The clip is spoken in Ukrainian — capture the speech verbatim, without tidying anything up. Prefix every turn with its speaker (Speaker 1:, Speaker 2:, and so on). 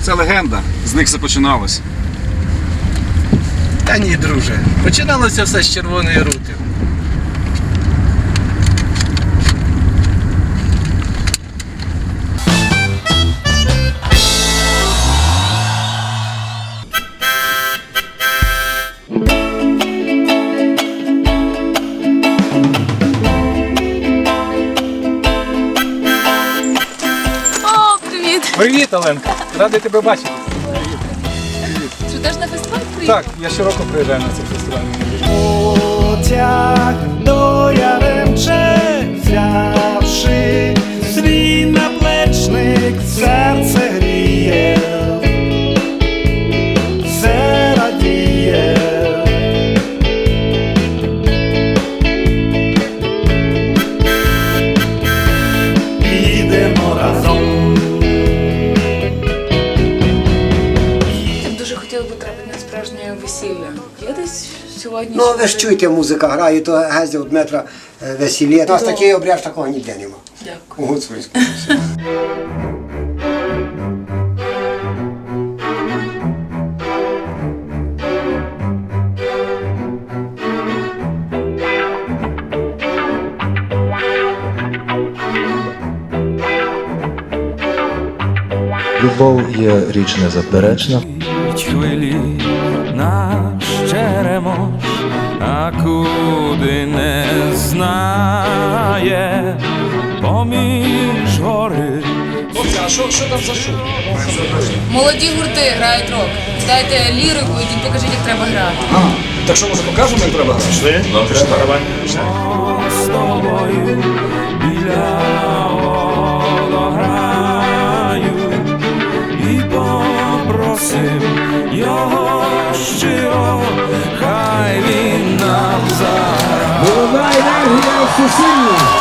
Speaker 1: Це легенда, з них все починалось.
Speaker 2: Та ні, друже. Починалося все з Червоної рути.
Speaker 3: О, привіт!
Speaker 4: Привіт, Оленка! Радий тебе бачити.
Speaker 3: Ти теж на фестиваль приїхав?
Speaker 4: Так, я щороку приїжджаю на цей фестиваль.
Speaker 5: Потяг до Яремче, взявши свій наплечник, серце гріє, все радіє. Підемо разом.
Speaker 3: Я б дуже хотіла потрапити на справжнє весілля. Є десь сьогодні?
Speaker 6: Ну, ви ж чуєте, музика грає, то гездя від метра весілля. У нас такий обряд, такого ніде нема.
Speaker 3: Дякую.
Speaker 6: У Гуцульському.
Speaker 7: Любов є річ незаперечна.
Speaker 8: Хвилі наш черемош, а куди не знає, поміж гори.
Speaker 1: А що, що там за шум?
Speaker 3: Молоді гурти грають рок. Дайте лірику, ідіть покажіть, як треба грати.
Speaker 1: Так що, може, покажемо, як треба грати? Пішли? Ну, пішли, давай.
Speaker 8: З тобою біля водограю і попросим його щиро, хай він нам заграє.
Speaker 9: Молода енергія всесильна.